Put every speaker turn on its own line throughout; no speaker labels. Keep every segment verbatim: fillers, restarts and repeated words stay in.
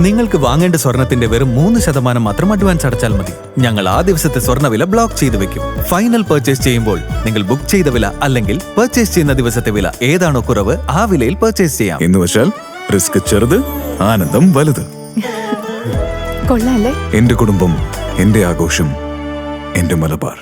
നിങ്ങൾക്ക് വാങ്ങേണ്ട സ്വർണത്തിന്റെ വെറും മൂന്ന് ശതമാനം മാത്രം അഡ്വാൻസ് അടച്ചാൽ മതി. ഞങ്ങൾ ആ ദിവസത്തെ സ്വർണ്ണവില ബ്ലോക്ക് ചെയ്തു വെക്കും. ഫൈനൽ പർച്ചേസ് ചെയ്യുമ്പോൾ നിങ്ങൾ ബുക്ക് ചെയ്ത വില അല്ലെങ്കിൽ പർച്ചേസ് ചെയ്യുന്ന ദിവസത്തെ വില ഏതാണോ കുറവ് ആ വിലയിൽ പർച്ചേസ് ചെയ്യാം.
എന്ന് വെച്ചാൽ റിസ്ക് ചെറുത്, ആനന്ദം വലുത്.
കൊള്ളാല്ലേ?
എന്റെ കുടുംബം, എന്റെ ആഘോഷം, എന്റെ മലബാർ.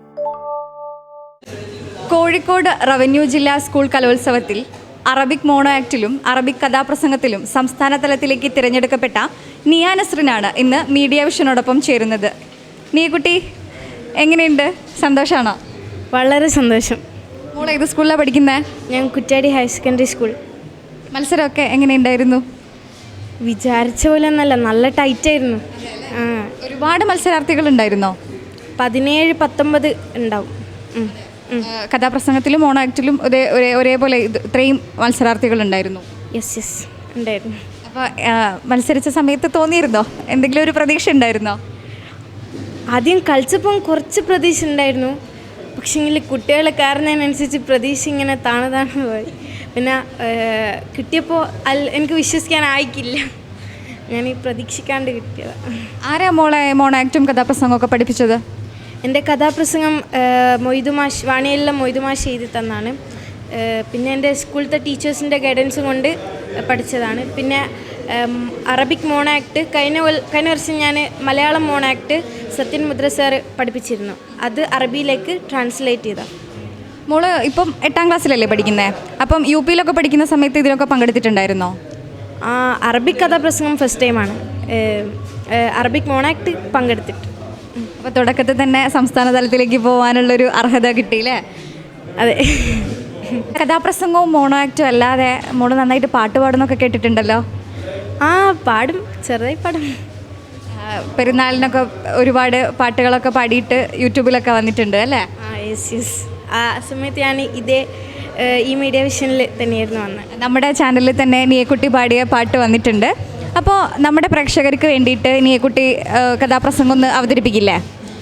കോഴിക്കോട് റവന്യൂ ജില്ലാ സ്കൂൾ കലോത്സവത്തിൽ അറബിക് മോണോ ആക്ടിലും അറബിക് കഥാപ്രസംഗത്തിലും സംസ്ഥാന തലത്തിലേക്ക് തിരഞ്ഞെടുക്കപ്പെട്ട നിയ നസ്റിനാണ് ഇന്ന് മീഡിയ വിഷനോടൊപ്പം ചേരുന്നത്. നീക്കുട്ടി, എങ്ങനെയുണ്ട്? സന്തോഷമാണോ?
വളരെ സന്തോഷം.
മോൾ ഏത് സ്കൂളിലാണ് പഠിക്കുന്നത്?
ഞാൻ കുറ്റാടി ഹയർ സെക്കൻഡറി സ്കൂൾ.
മത്സരമൊക്കെ എങ്ങനെയുണ്ടായിരുന്നു?
വിചാരിച്ച പോലെ ഒന്നല്ല, നല്ല ടൈറ്റായിരുന്നു. ആ,
ഒരുപാട് മത്സരാർത്ഥികൾ ഉണ്ടായിരുന്നോ?
പതിനേഴ് പത്തൊമ്പത് ഉണ്ടാവും. ഉം, ഉം.
കഥാപ്രസംഗത്തിലും മോണോ ആക്ടിലും ഒരേ ഒരേ ഒരേപോലെ ഇത് ഇത്രയും മത്സരാർത്ഥികൾ ഉണ്ടായിരുന്നു.
യെസ് യെസ് ഉണ്ടായിരുന്നു.
അപ്പോൾ മത്സരിച്ച സമയത്ത് തോന്നിയിരുന്നോ എന്തെങ്കിലും ഒരു പ്രതീക്ഷ ഉണ്ടായിരുന്നോ?
ആദ്യം കളിച്ചപ്പം കുറച്ച് പ്രതീക്ഷ ഉണ്ടായിരുന്നു. പക്ഷേങ്കിൽ കുട്ടികളെ കയറുന്നതിനനുസരിച്ച് പ്രതീക്ഷ ഇങ്ങനെ താണു താണു പോയി. പിന്നെ കിട്ടിയപ്പോൾ അൽ എനിക്ക് വിശ്വസിക്കാനായിക്കില്ല. ഞാൻ ഈ പ്രതീക്ഷിക്കാണ്ട് കിട്ടിയതാണ്.
ആരാ മോളെ മോണോ ആക്റ്റും കഥാപ്രസംഗമൊക്കെ പഠിപ്പിച്ചത്?
എൻ്റെ കഥാപ്രസംഗം മൊയ്തുമാഷ് വാണിയല്ല മൊയ്തുമാഷ് എഴുതി തന്നാണ്. പിന്നെ എൻ്റെ സ്കൂളത്തെ ടീച്ചേഴ്സിൻ്റെ ഗൈഡൻസ് കൊണ്ട് പഠിച്ചതാണ്. പിന്നെ അറബിക് മോണോ ആക്ട് കഴിഞ്ഞ കഴിഞ്ഞ വർഷം ഞാൻ മലയാളം മോണോ ആക്ട് സത്യൻ മുദ്ര സാർ പഠിപ്പിച്ചിരുന്നു. അത് അറബിയിലേക്ക് ട്രാൻസ്ലേറ്റ് ചെയ്ത.
മോള് ഇപ്പം എട്ടാം ക്ലാസ്സിലല്ലേ പഠിക്കുന്നത്? അപ്പം യു പിയിലൊക്കെ പഠിക്കുന്ന സമയത്ത് ഇതിലൊക്കെ പങ്കെടുത്തിട്ടുണ്ടായിരുന്നോ?
അറബിക് കഥാപ്രസംഗം ഫസ്റ്റ് ടൈമാണ്. അറബിക് മോണോ ആക്ട് പങ്കെടുത്തിട്ട്.
അപ്പോൾ തുടക്കത്തിൽ തന്നെ സംസ്ഥാന തലത്തിലേക്ക് പോകാനുള്ളൊരു അർഹത കിട്ടിയില്ലേ?
അതെ.
കഥാപ്രസംഗവും മോണോ ആക്റ്റും അല്ലാതെ മോള് നന്നായിട്ട് പാട്ട് പാടുന്നൊക്കെ കേട്ടിട്ടുണ്ടല്ലോ.
ആ, പാടും, ചെറുതായി പാടും.
പെരുന്നാളിനൊക്കെ ഒരുപാട് പാട്ടുകളൊക്കെ പാടിയിട്ട് യൂട്യൂബിലൊക്കെ വന്നിട്ടുണ്ട് അല്ലേ?
ആ, യെസ് യെസ്. ആ സമയത്ത് ഞാൻ ഇതേ ഈ മീഡിയ വിഷനിൽ തന്നെയായിരുന്നു വന്നത്.
നമ്മുടെ ചാനലിൽ തന്നെ നീയക്കുട്ടി പാടിയ പാട്ട് വന്നിട്ടുണ്ട്. അപ്പോൾ നമ്മുടെ പ്രേക്ഷകർക്ക് വേണ്ടിയിട്ട് നീയക്കുട്ടി കഥാപ്രസംഗം ഒന്ന് അവതരിപ്പിക്കില്ലേ?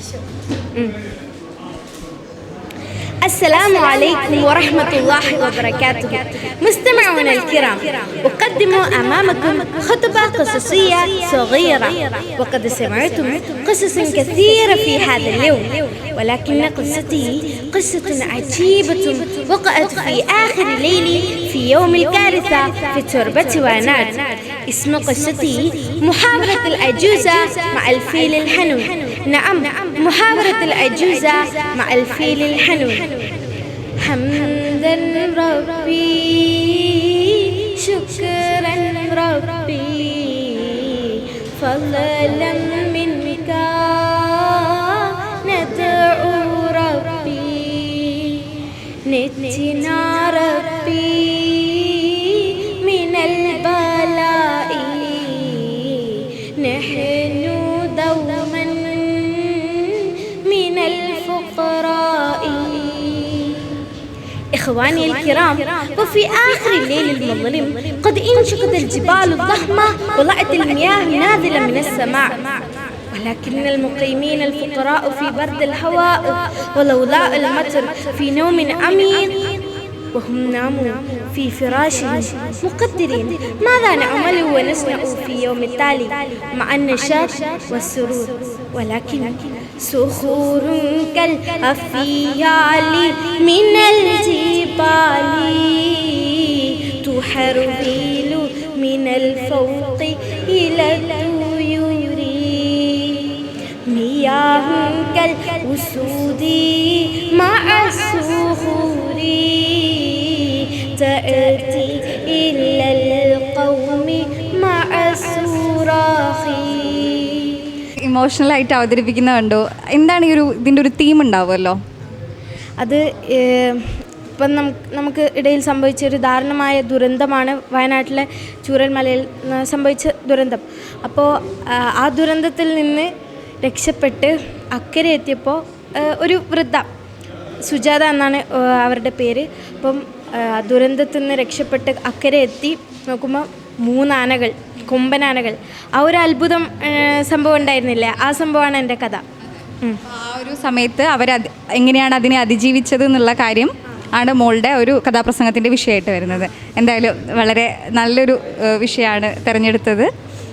السلام عليكم ورحمة الله وبركاته. مستمعونا الكرام، أقدم أمامكم خطبة قصصية صغيرة. وقد سمعتم قصص كثيرة في هذا اليوم، ولكن قصتي قصة عجيبة وقعت في آخر ليل في يوم الكارثة في تربة وانات. اسم قصتي محاورة العجوزة مع الفيل الحنون. نعم، محاورة العجوزة مع الفيل الحنون. حمدا ربي، شكرا ربي، فضلا منك ندعو ربي، نجنا ربي من البلاء، نحن دوما من الفقراء. إخواني الكرام، وفي آخر الليل المظلم قد انشقت الجبال الضخمة وطلعت المياه نازلة من السماء، ولكن المقيمين الفقراء في برد الهواء ولولاء المطر في نوم عميق، وهم ناموا في فراشهم مقدرين ماذا نعمل ونصنع في يوم التالي مع النشاط والسرور، ولكن صخور كالأفيال من الجبال تحربيل من الفوق إلى الطيور، مياه كالأسود مع الصخور تأتي إلى القوم مع الصراخ.
ഇമോഷണലായിട്ട് അവതരിപ്പിക്കുന്ന കണ്ടു. എന്താണ് ഈ ഒരു ഇതിൻ്റെ ഒരു തീം ഉണ്ടാവുമല്ലോ?
അത് ഇപ്പം നമുക്ക് നമുക്ക് ഇടയിൽ സംഭവിച്ച ഒരു ദാരുണമായ ദുരന്തമാണ് വയനാട്ടിലെ ചൂരൽമലയിൽ സംഭവിച്ച ദുരന്തം. അപ്പോൾ ആ ദുരന്തത്തിൽ നിന്ന് രക്ഷപ്പെട്ട് അക്കരെ എത്തിയപ്പോൾ ഒരു വൃദ്ധ, സുജാത എന്നാണ് അവരുടെ പേര്. അപ്പം ദുരന്തത്തിൽ നിന്ന് രക്ഷപ്പെട്ട് അക്കരെ എത്തി നോക്കുമ്പോൾ മൂന്നാനകൾ, കൊമ്പനാനകൾ. ആ ഒരു അത്ഭുതം സംഭവം ഉണ്ടായിരുന്നില്ലേ, ആ സംഭവമാണ് എൻ്റെ കഥ.
ആ ഒരു സമയത്ത് അവർ എങ്ങനെയാണ് അതിനെ അതിജീവിച്ചത് എന്നുള്ള കാര്യം ആണ് മോളുടെ ഒരു കഥാപ്രസംഗത്തിൻ്റെ വിഷയമായിട്ട് വരുന്നത്. എന്തായാലും വളരെ നല്ലൊരു വിഷയമാണ് തിരഞ്ഞെടുത്തത്.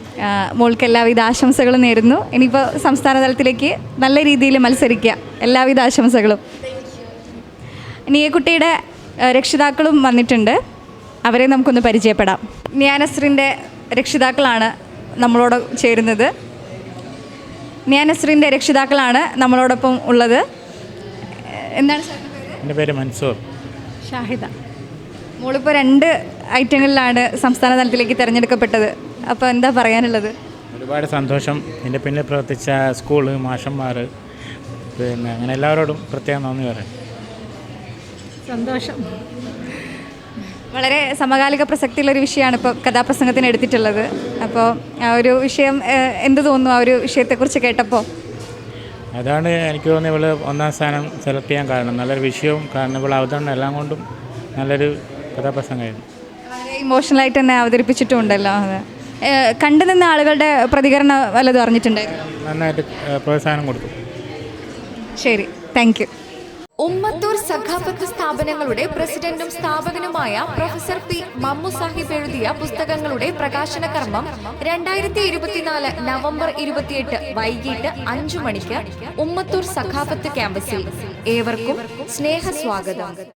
ആ, മോൾക്ക് എല്ലാവിധ ആശംസകളും നേരുന്നു. ഇനിയിപ്പോൾ സംസ്ഥാന തലത്തിലേക്ക് നല്ല രീതിയിൽ മത്സരിക്കുക. എല്ലാവിധ ആശംസകളും. ഇനി ഈ കുട്ടിയുടെ ആ, രക്ഷിതാക്കളും വന്നിട്ടുണ്ട്. അവരെ നമുക്കൊന്ന് പരിചയപ്പെടാം. നിയാനസ്രിൻ്റെ രക്ഷിതാക്കളാണ് നമ്മളോട് ചേരുന്നത്. നിയാനസ്രിൻ്റെ രക്ഷിതാക്കളാണ് നമ്മളോടൊപ്പം ഉള്ളത്. എന്താണ് സാറിൻ്റെ പേര്?
എൻ്റെ പേര് മൻസൂർ.
ഷാഹിദ. മോളിപ്പോൾ രണ്ട് ഐറ്റങ്ങളിലാണ് സംസ്ഥാന തലത്തിലേക്ക് തിരഞ്ഞെടുക്കപ്പെട്ടത്. അപ്പോൾ എന്താ പറയാനുള്ളത്?
ഒരുപാട് സന്തോഷം. എൻ്റെ പിന്നിൽ പ്രവർത്തിച്ച സ്കൂള്, മാഷന്മാർ, പിന്നെ അങ്ങനെ എല്ലാവരോടും പ്രത്യേകം നന്ദി പറയാം.
സന്തോഷം.
വളരെ സമകാലിക പ്രസക്തിയുള്ളൊരു വിഷയമാണ് ഇപ്പോൾ കഥാപ്രസംഗത്തിന് എടുത്തിട്ടുള്ളത്. അപ്പോൾ ആ ഒരു വിഷയം ഏഹ്, എന്ത് തോന്നുന്നു ആ ഒരു വിഷയത്തെക്കുറിച്ച് കേട്ടപ്പോൾ?
അതാണ് എനിക്ക് തോന്നുന്നത് ഇവൾ ഒന്നാം സ്ഥാനം സെലക്ട് ചെയ്യാൻ കാരണം. നല്ലൊരു വിഷയവും കാരണം ഇവൾ അവതരണം എല്ലാം കൊണ്ടും നല്ലൊരു കഥാപ്രസംഗമായിരുന്നു.
വളരെ ഇമോഷണലായിട്ട് തന്നെ അവതരിപ്പിച്ചിട്ടുണ്ടല്ലോ. അത് ഏഹ്, കണ്ടു നിന്ന ആളുകളുടെ പ്രതികരണം വല്ലതും അറിഞ്ഞിട്ടുണ്ടായിരുന്നു?
നന്നായിട്ട് ഏഹ്, പ്രോത്സാഹനം കൊടുത്തു.
ശരി, താങ്ക് യു.
ഉമ്മത്തൂർ സഖാഫത്ത് സ്ഥാപനങ്ങളുടെ പ്രസിഡന്റും സ്ഥാപകനുമായ പ്രൊഫസർ പി മമ്മു സാഹിബ് എഴുതിയ പുസ്തകങ്ങളുടെ പ്രകാശന കർമ്മം രണ്ടായിരത്തി ഇരുപത്തിനാല് നവംബർ ഇരുപത്തിയെട്ട് വൈകിട്ട് അഞ്ചു മണിക്ക് ഉമ്മത്തൂർ സഖാഫത്ത് ക്യാമ്പസിൽ. ഏവർക്കും സ്നേഹസ്വാഗതം.